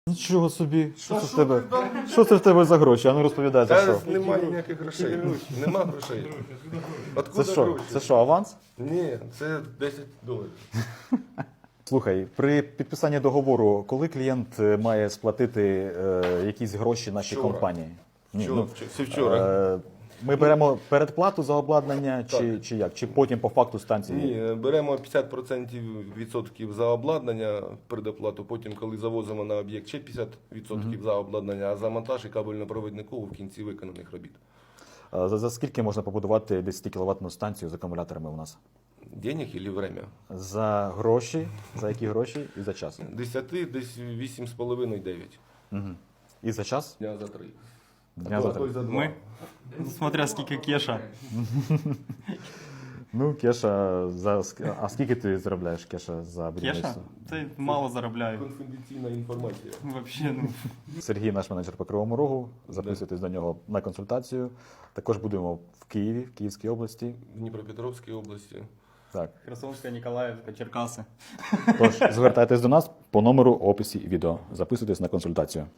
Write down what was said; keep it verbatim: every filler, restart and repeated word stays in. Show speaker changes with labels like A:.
A: Нічого собі. Що це в тебе? Що це в тебе за гроші? А ну розповідай, за що?
B: Та немає ніяких грошей. Нема грошей.
A: Це
B: Откуда
A: що?
B: гроші?
A: Це що, аванс?
B: Ні, це десять доларів.
A: Слухай, при підписанні договору, коли клієнт е, має сплатити е, якісь гроші нашій
B: Вчора.
A: компанії? Ні,
B: Вчора,
A: ну,
B: вч- це вчора.
A: е, ми беремо передплату за обладнання, чи, чи як? Чи потім по факту станції?
B: Ні, беремо п'ятдесят відсотків відсотків за обладнання предоплату, потім, коли завозимо на об'єкт, ще п'ятдесят відсотків за обладнання, а за монтаж і кабельно-провідникову в кінці виконаних робіт.
A: Е, За, за скільки можна побудувати десять кіловатну станцію з акумуляторами у нас?
B: Денег і время?
A: За гроші, за які гроші і за час?
B: Десяти, десь вісім з половиною дев'ять.
A: Угу. І за час?
B: Дня за три.
A: Дня
B: А
A: за
B: то- а то й
A: три.
B: за два.
C: Ми? Смотря скільки кеша.
A: Ну, Кеша, за, ск- а скільки ти заробляєш, Кеша, за
C: Кеша?
A: будівництво?
C: Це мало заробляю.
B: Конфіденційна інформація.
C: Вообще, ну.
A: Сергій, наш менеджер по Кривому Рогу, записуйтесь до нього на консультацію. Також будемо в Києві, в Київській області.
B: В Дніпропетровській області.
A: Так.
C: Херсонська, Ніколаївська, Черкаси.
A: Тож, звертайтесь до нас по номеру в описі відео. Записуйтесь на консультацію.